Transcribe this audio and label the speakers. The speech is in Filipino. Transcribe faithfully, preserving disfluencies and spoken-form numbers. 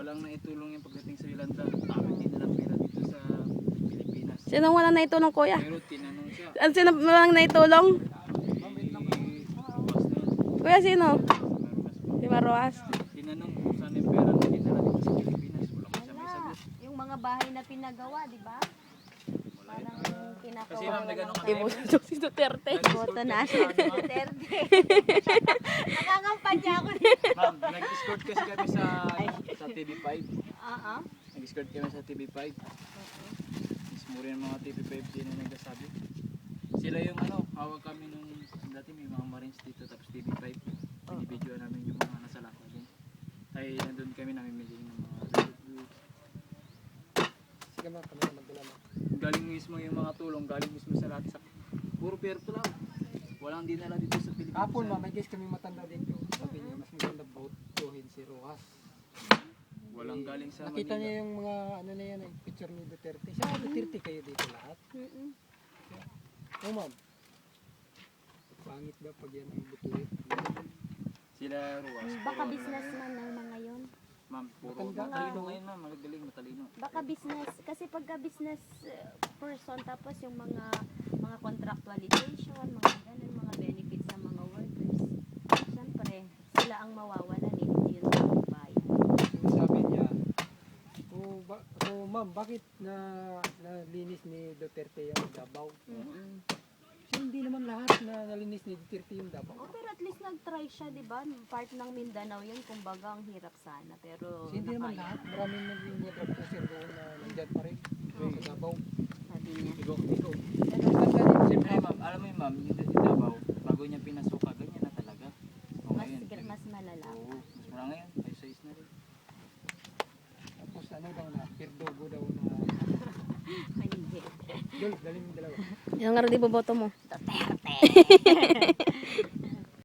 Speaker 1: walang naitulong yung pagdating sa Yolanda. Bakit hindi na lang pera dito sa Pilipinas?
Speaker 2: Sino walang naitulong, kuya?
Speaker 1: Pero tinanong siya.
Speaker 2: Ano, sino walang naitulong?
Speaker 1: Eh,
Speaker 2: Kuya, sino?
Speaker 1: Marumas po.
Speaker 2: Si Maruas.
Speaker 1: Tinanong kung saan yung pera na dinala dito sa Pilipinas. Wala ko siya may
Speaker 3: Wala.
Speaker 1: sagot.
Speaker 3: Yung mga bahay na pinagawa, di ba? Parang
Speaker 1: Kasi
Speaker 3: kinakawa
Speaker 1: ma'am, nagano ka
Speaker 2: Ibuso si Duterte.
Speaker 3: Boto na si Duterte. Nangangampanya ako.
Speaker 1: Ma'am, nag-escort kasi kami sa sa T V five.
Speaker 3: Oo.
Speaker 1: Nag-escort kami sa T V five. Mismo rin ang mga T V five din na nagsasabi. Sila yung ano, hawak kami nung dati may mga Marines dito tapos T V five. Binibidyoan namin yung mga nasa lakwa din. Ay nandun kami namimili ng mga goods.
Speaker 4: Sige ma, kami na magdala mo.
Speaker 1: Galing mismo yung mga tulong, galing mismo sa lahat sa puro perto lang. Walang dinala dito sa Pilipinas.
Speaker 4: Kapon ma, may guys kami matanda dito. Sabi niya, mas maganda botuhin si Rojas.
Speaker 1: Walang galing sa
Speaker 4: Nakita
Speaker 1: Manila.
Speaker 4: niya yung mga ano na yan, eh, picture ni Duterte. Siya, Duterte kayo dito lahat.
Speaker 3: Mm-mm.
Speaker 4: Oh ma'am. Pangit ba pag yan ang butuhin?
Speaker 1: Sila Ruas.
Speaker 3: Baka
Speaker 1: puro ano
Speaker 3: businessman ng mga yon.
Speaker 1: lang. Ma'am, puro
Speaker 4: Matanda.
Speaker 1: matalino ngayon ma'am, magaling matalino.
Speaker 3: Baka business, kasi pagka business uh, person, tapos yung mga mga contractualization, mga ganun, mga benefits sa mga workers. Siyempre, sila ang mawawalan eh, hindi yun ang bayan.
Speaker 4: Yung sabi niya, oh, ba, oh ma'am, bakit na nalinis ni Duterte yung Davao?
Speaker 3: Mm-mm.
Speaker 4: So, hindi naman lahat na nalinis ni Duterte yung Davao.
Speaker 3: Oh, pero at least nag-try siya, di ba? Part ng Mindanao yun, kumbaga ang hirap sana, pero
Speaker 4: So, hindi naman
Speaker 3: nakaya.
Speaker 4: lahat. Maraming naging mga drug pusher doon na nandyan pa rin. Sa Davao.
Speaker 3: Sabi niya.
Speaker 1: Ikaw, ikaw.
Speaker 3: Pero
Speaker 1: Siyempre ma'am, alam mo yun ma'am, yung yung Davao, bago niya pinasuka, ganyan na talaga. O
Speaker 3: mas,
Speaker 1: ngayon,
Speaker 3: mas malala.
Speaker 1: oo, mas mura ngayon, ay size na rin.
Speaker 4: Tapos ano daw na, Pirdogo daw na,
Speaker 3: Ay, hindi.
Speaker 4: Dol, dali mo dalawa.
Speaker 2: Yung nga rin boboto mo.
Speaker 3: Duterte!